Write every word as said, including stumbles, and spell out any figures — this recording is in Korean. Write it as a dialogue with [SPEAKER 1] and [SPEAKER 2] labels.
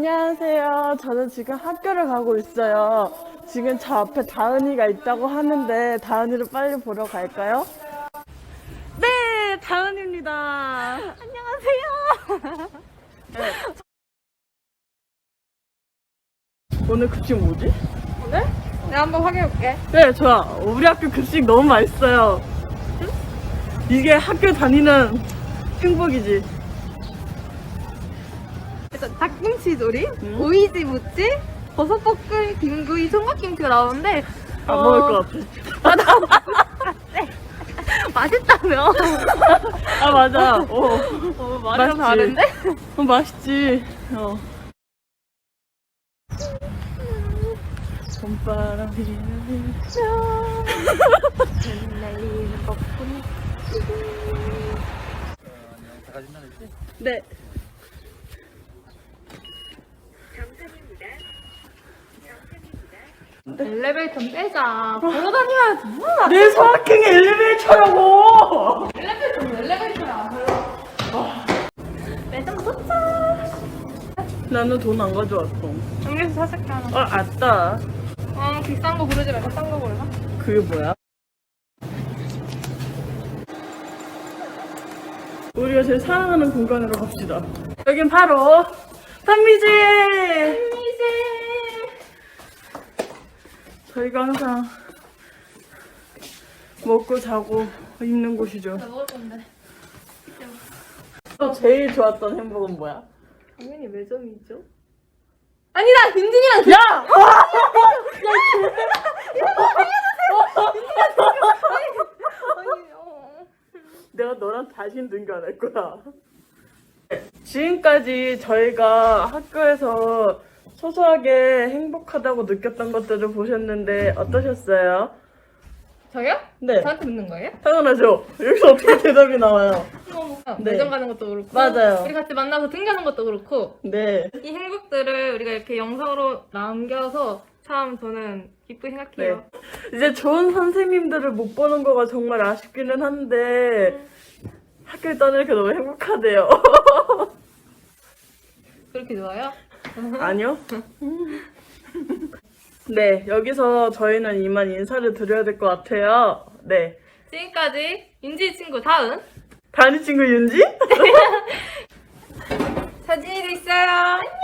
[SPEAKER 1] 안녕하세요. 저는 지금 학교를 가고 있어요. 지금 저 앞에 다은이가 있다고 하는데 다은이를 빨리 보러 갈까요? 네, 다은입니다.
[SPEAKER 2] 안녕하세요.
[SPEAKER 1] 네. 오늘 급식 뭐지?
[SPEAKER 2] 오늘? 내가 한번 확인해볼게.
[SPEAKER 1] 네, 좋아. 우리 학교 급식 너무 맛있어요. 이게 학교 다니는 행복이지.
[SPEAKER 2] 일단 닭김치 조림,
[SPEAKER 1] 응?
[SPEAKER 2] 오이지 무침, 버섯볶음, 김구이, 총각김치가 나오는데
[SPEAKER 1] 안
[SPEAKER 2] 어,
[SPEAKER 1] 먹을 것 같아.
[SPEAKER 2] 맛있다며?
[SPEAKER 1] 아, 맞아. 어,
[SPEAKER 2] 어,
[SPEAKER 1] 맛있지.
[SPEAKER 2] 맛이 다른데?
[SPEAKER 1] 어, 맛있지. 어. 봄바람이
[SPEAKER 2] 날리는 거뿐이.
[SPEAKER 1] 네.
[SPEAKER 2] 엘리베이터 빼자. 걸어 다녀야지. 뭐야?
[SPEAKER 1] 내 소확행이 엘리베이터라고!
[SPEAKER 2] 엘리베이터는 엘리베이터야. 매점 도착.
[SPEAKER 1] 나는 돈 안 가져왔어.
[SPEAKER 2] 여기서 사줄게 하나.
[SPEAKER 1] 어, 아따.
[SPEAKER 2] 어, 비싼 거 고르지 말고 싼 거 고르자.
[SPEAKER 1] 그게 뭐야? 우리가 제일 사랑하는 공간으로 갑시다. 여긴 바로 단미지!
[SPEAKER 2] 이제
[SPEAKER 1] 저희가 항상 먹고 자고 입는 곳이죠.
[SPEAKER 2] 나 먹을 건데.
[SPEAKER 1] 너 제일 좋았던 행복은 뭐야?
[SPEAKER 2] 당연히 매점이죠. 아니다, 윤진이랑
[SPEAKER 1] 야!
[SPEAKER 2] 아니, 어.
[SPEAKER 1] 내가 너랑 다신 등교 안 할 거야. 지금까지 저희가 학교에서 소소하게 행복하다고 느꼈던 것들을 보셨는데 어떠셨어요?
[SPEAKER 2] 저요?
[SPEAKER 1] 네.
[SPEAKER 2] 저한테 묻는 거예요?
[SPEAKER 1] 당연하죠. 여기서 어떻게 대답이 나와요? 네.
[SPEAKER 2] 매점 가는 것도 그렇고
[SPEAKER 1] 맞아요.
[SPEAKER 2] 우리 같이 만나서 등교하는 것도 그렇고
[SPEAKER 1] 네.
[SPEAKER 2] 이 행복들을 우리가 이렇게 영상으로 남겨서 참 저는 기쁘게
[SPEAKER 1] 네.
[SPEAKER 2] 생각해요.
[SPEAKER 1] 이제 좋은 선생님들을 못 보는 거가 정말 아쉽기는 한데 학교를 떠나니까 너무 행복하대요.
[SPEAKER 2] 그렇게 좋아요?
[SPEAKER 1] 아니요. 네, 여기서 저희는 이만 인사를 드려야 될 것 같아요. 네.
[SPEAKER 2] 지금까지 윤지 친구 다은
[SPEAKER 1] 다니 친구 윤지?
[SPEAKER 2] 서진이도 있어요. 안녕.